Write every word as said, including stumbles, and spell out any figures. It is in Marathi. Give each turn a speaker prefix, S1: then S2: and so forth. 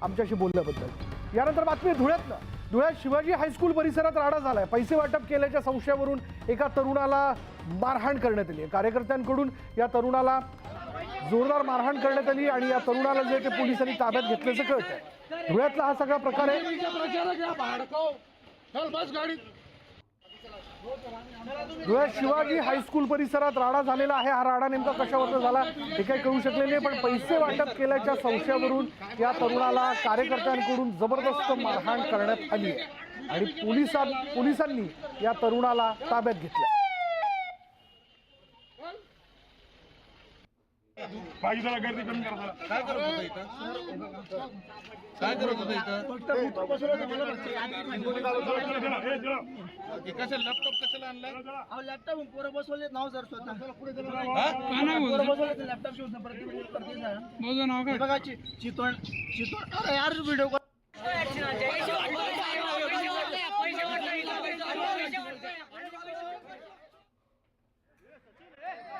S1: आमच्याशी बोलल्याबद्दल। यानंतर बातमी धुळ्यातनं। धुळ्यात शिवाजी हायस्कूल परिसरात राडा झालाय। पैसे वाटप केल्याच्या संशयावरून एका तरुणाला मारहाण करण्यात आली। कार्यकर्त्यांकडून या तरुणाला जोरदार मारहाण करण्यात आली आणि या तरुणाला जे ते पोलिसांनी ताब्यात घेतल्याचं कळतंय। धुळ्यातला हा सगळा प्रकार आहे। धुळ्यात शिवाजी हायस्कूल परिसरात राडा झालेला आहे। हा राडा नेमका कशावरून झाला हे काही कळू शकले नाही, पण पैसे वाटप केल्याच्या संशयावरून या तरुणाला कार्यकर्त्यांकडून जबरदस्त मारहाण करण्यात आली आहे आणि पोलिसां पोलिसांनी या तरुणाला ताब्यात घेतलं।
S2: पाहिजे जरा गर्दी कमी करा। काय करत होता इथं? काय करत होता इथं? फक्त बसवलं मला कसं लॅपटॉप कशाला आणलाय? अहो लॅपटॉप पोरं बसवले नाव सर स्वतः पुढे पोरं बसवले लॅपटॉप शिवून प्रत्येक प्रत्येक बघा चितवण चितवण अरे यार व्हिडिओ